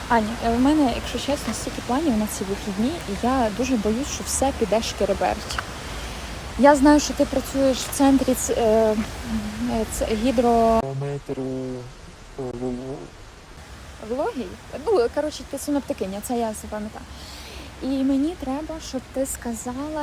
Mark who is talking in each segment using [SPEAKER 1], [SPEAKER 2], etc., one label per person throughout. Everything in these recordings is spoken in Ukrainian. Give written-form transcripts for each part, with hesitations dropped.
[SPEAKER 1] Аня, в мене, якщо чесно, стільки планів на ці вихідні, і я дуже боюсь, що все піде шкереберть. Я знаю, що ти працюєш в центрі гідрометеорології. Ну, коротше, ти синоптикиня, це я запам'ятаю. І мені треба, щоб ти сказала,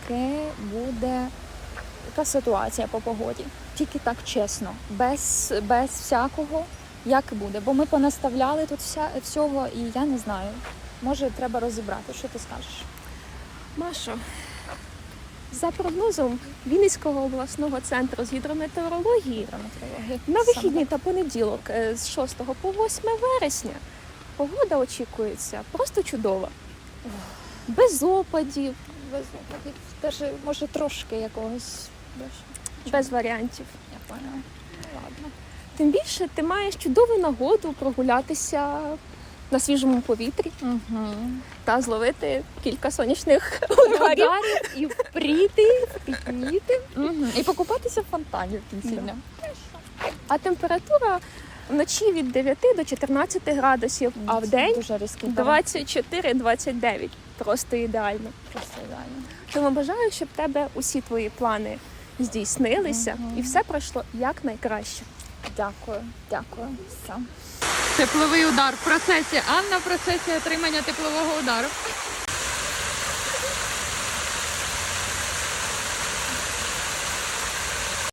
[SPEAKER 1] яка ситуація по погоді. Тільки так чесно, без всякого, як буде. Бо ми понаставляли тут всього, і я не знаю. Може, треба розібрати. Що ти скажеш?
[SPEAKER 2] Машо, за прогнозом Вінницького обласного центру з гідрометеорології, на вихідні та понеділок з 6 по 8 вересня погода очікується просто чудова. Без опадів,
[SPEAKER 1] Даже, може, трошки якогось дощу.
[SPEAKER 2] без варіантів.
[SPEAKER 1] Я поняла. Ладно.
[SPEAKER 2] Тим більше ти маєш чудову нагоду прогулятися на свіжому повітрі та зловити кілька сонячних ударів.
[SPEAKER 1] І впріти, впітніти. І покупатися в фонтані в кінці дня.
[SPEAKER 2] А температура вночі від 9 до 14 градусів, а в день
[SPEAKER 1] дуже різкий
[SPEAKER 2] 24-29. Просто ідеально.
[SPEAKER 1] Просто ідеально.
[SPEAKER 2] Тому бажаю, щоб в тебе усі твої плани здійснилися і все пройшло якнайкраще.
[SPEAKER 1] Дякую. Все.
[SPEAKER 3] Тепловий удар в процесі. Анна в процесі отримання теплового удару.